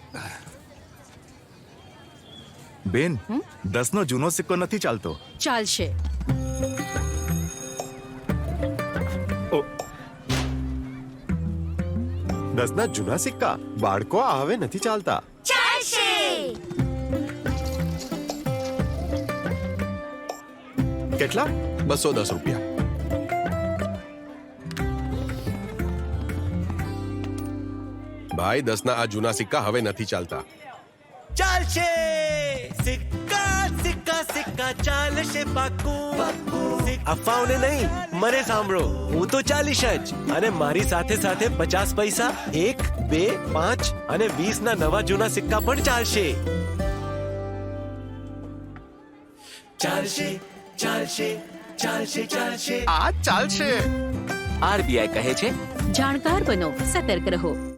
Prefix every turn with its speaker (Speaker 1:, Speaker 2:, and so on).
Speaker 1: બેન, 10નો જૂનો સિક્કો નથી ચાલતો.
Speaker 2: ચાલશે.
Speaker 1: ઓ,
Speaker 3: 10ના જૂના સિક્કા બાળકો આ હવે નથી ચાલતા. કેટલા?
Speaker 4: 210 રૂપિયા. ભાઈ 10ના આ જૂના સિક્કા હવે નથી ચાલતા.
Speaker 5: ચાલશે સિક્કા સિક્કા સિક્કા ચાલશે પાક્કું. અફવાઓને નહીં, મને સાંભળો. હું તો 40 જ, અને મારી સાથે સાથે 50 પૈસા, 1, 2, 5 અને 20 ના નવા જૂના સિક્કા પણ ચાલશે. ચાલશે ચાલશે ચાલશે ચાલશે.
Speaker 1: આ ચાલશે.
Speaker 5: આરબીઆઈ કહે છે,
Speaker 2: જાણકાર બનો, સતર્ક રહો.